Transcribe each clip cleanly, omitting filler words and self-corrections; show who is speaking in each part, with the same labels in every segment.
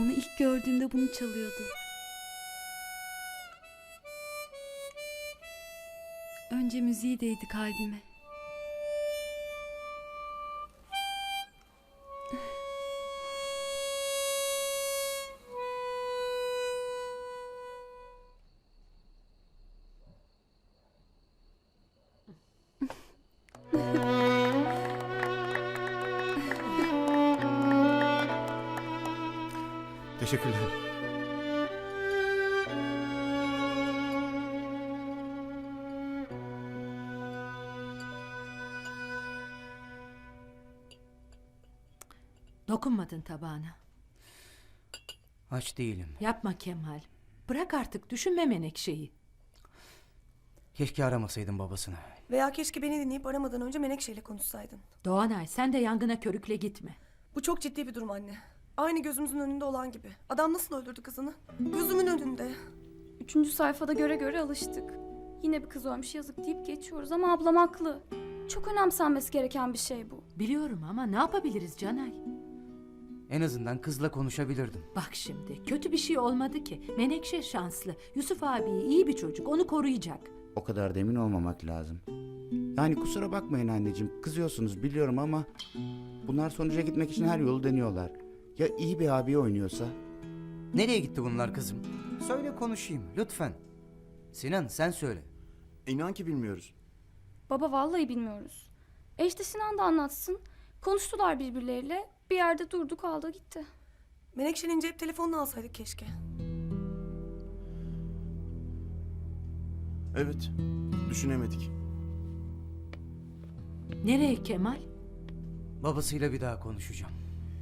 Speaker 1: Onu ilk gördüğümde bunu çalıyordu. Önce müziği değdi kalbime.
Speaker 2: Teşekkürler.
Speaker 3: Dokunmadın tabağına.
Speaker 4: Aç değilim.
Speaker 3: Yapma Kemal. Bırak artık, düşünme Menekşe'yi.
Speaker 4: Keşke aramasaydın babasını.
Speaker 5: Veya keşke beni dinleyip aramadan önce Menekşe'yle konuşsaydın.
Speaker 3: Doğanay, sen de yangına körükle gitme.
Speaker 5: Bu çok ciddi bir durum anne. Aynı gözümüzün önünde olan gibi. Adam nasıl öldürdü kızını? Gözümün önünde.
Speaker 6: 3. sayfada göre alıştık. Yine bir kız ölmüş yazık deyip geçiyoruz ama ablam haklı. Çok önemsenmesi gereken bir şey bu.
Speaker 3: Biliyorum ama ne yapabiliriz Canay?
Speaker 4: En azından kızla konuşabilirdim.
Speaker 3: Bak şimdi, kötü bir şey olmadı ki. Menekşe şanslı. Yusuf abi iyi bir çocuk, onu koruyacak.
Speaker 2: O kadar da emin olmamak lazım. Yani kusura bakmayın anneciğim, kızıyorsunuz biliyorum ama bunlar sonuca gitmek için her yolu deniyorlar. Ya iyi bir abi oynuyorsa?
Speaker 4: Nereye gitti bunlar kızım? Söyle konuşayım lütfen. Sinan sen söyle.
Speaker 2: İnan ki bilmiyoruz.
Speaker 6: Baba vallahi bilmiyoruz. İşte Sinan da anlatsın. Konuştular birbirleriyle. Bir yerde durdu kaldı gitti.
Speaker 5: Menekşe'nin cep telefonunu alsaydık keşke.
Speaker 7: Evet, düşünemedik.
Speaker 3: Nereye Kemal?
Speaker 4: Babasıyla bir daha konuşacağım.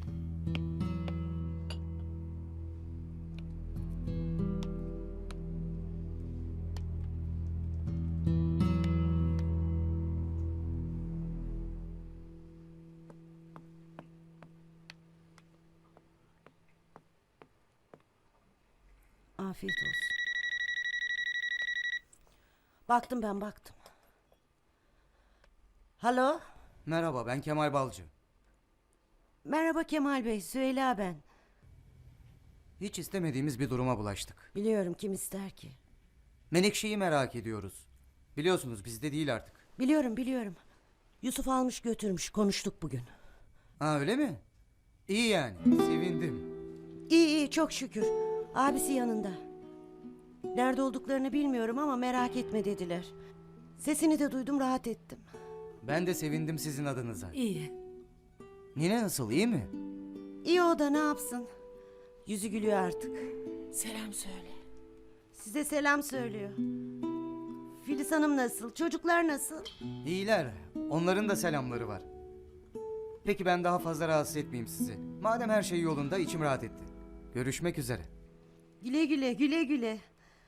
Speaker 8: Afiyet olsun. Baktım. Halo?
Speaker 4: Merhaba ben Kemal Balcı.
Speaker 8: Merhaba Kemal Bey, Süheyla ben.
Speaker 4: Hiç istemediğimiz bir duruma bulaştık.
Speaker 8: Biliyorum, kim ister ki?
Speaker 4: Menekşe'yi merak ediyoruz. Biliyorsunuz bizde değil artık.
Speaker 8: Biliyorum. Yusuf almış götürmüş, konuştuk bugün.
Speaker 4: Ha öyle mi? İyi yani sevindim.
Speaker 8: İyi, çok şükür. Abisi yanında. Nerede olduklarını bilmiyorum ama merak etme dediler. Sesini de duydum, rahat ettim.
Speaker 4: Ben de sevindim sizin adınıza.
Speaker 3: İyi.
Speaker 4: Nine nasıl iyi mi?
Speaker 8: İyi o da ne yapsın? Yüzü gülüyor artık. Selam söyle. Size selam söylüyor. Filiz Hanım nasıl? Çocuklar nasıl?
Speaker 4: İyiler. Onların da selamları var. Peki ben daha fazla rahatsız etmeyeyim sizi. Madem her şey yolunda içim rahat etti. Görüşmek üzere.
Speaker 8: Güle güle.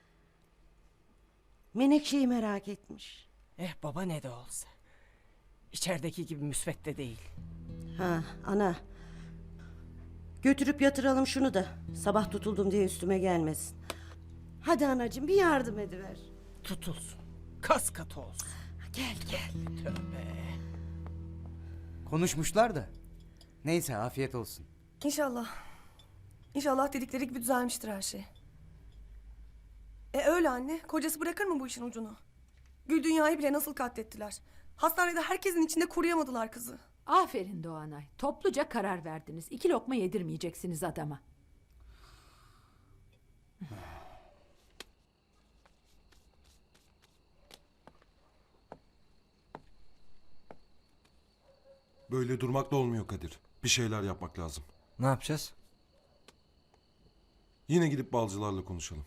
Speaker 8: Menekşe'yi merak etmiş.
Speaker 9: Baba ne de olsa. İçerideki gibi müsvedde değil.
Speaker 8: Ha ana. Götürüp yatıralım şunu da. Sabah tutuldum diye üstüme gelmesin. Hadi anacığım bir yardım ediver.
Speaker 9: Tutulsun. Kas katı olsun.
Speaker 8: Gel.
Speaker 9: Tövbe.
Speaker 4: Konuşmuşlar da. Neyse afiyet olsun.
Speaker 5: İnşallah. İnşallah dedikleri gibi düzelmiştir her şey. Öyle anne. Kocası bırakır mı bu işin ucunu? Gül Dünya'yı bile nasıl katlettiler. Hastanede herkesin içinde koruyamadılar kızı.
Speaker 3: Aferin Doğanay. Topluca karar verdiniz. 2 lokma yedirmeyeceksiniz adama.
Speaker 7: Böyle durmak da olmuyor Kadir. Bir şeyler yapmak lazım.
Speaker 9: Ne yapacağız?
Speaker 7: Yine gidip balcılarla konuşalım.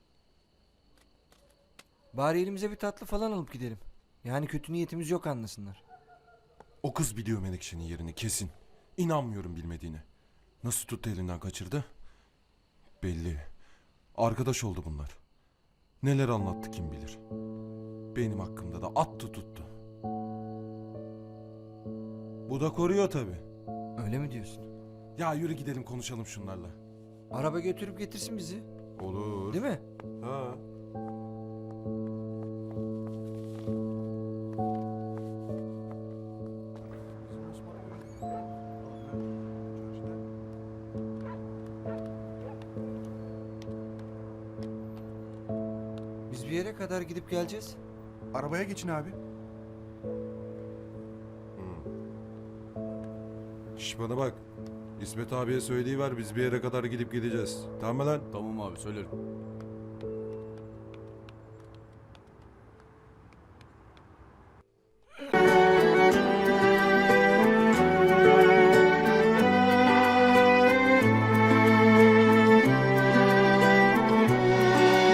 Speaker 9: Bari elimize bir tatlı falan alıp gidelim. Yani kötü niyetimiz yok anlasınlar.
Speaker 7: O kız biliyor Menekşe'nin yerini kesin. İnanmıyorum bilmediğine. Nasıl tuttu elinden kaçırdı? Belli. Arkadaş oldu bunlar. Neler anlattı kim bilir. Benim hakkımda da attı tuttu. Bu da koruyor tabii.
Speaker 9: Öyle mi diyorsun?
Speaker 7: Ya yürü gidelim konuşalım şunlarla.
Speaker 9: Araba götürüp getirsin bizi.
Speaker 7: Olur.
Speaker 9: Değil mi?
Speaker 7: Ha.
Speaker 9: yere kadar gidip geleceğiz.
Speaker 10: Arabaya geçin abi.
Speaker 7: Şş bana bak. İsmet abiye söyleyiver biz bir yere kadar gidip gideceğiz. Tamam mı lan?
Speaker 10: Tamam abi söylerim.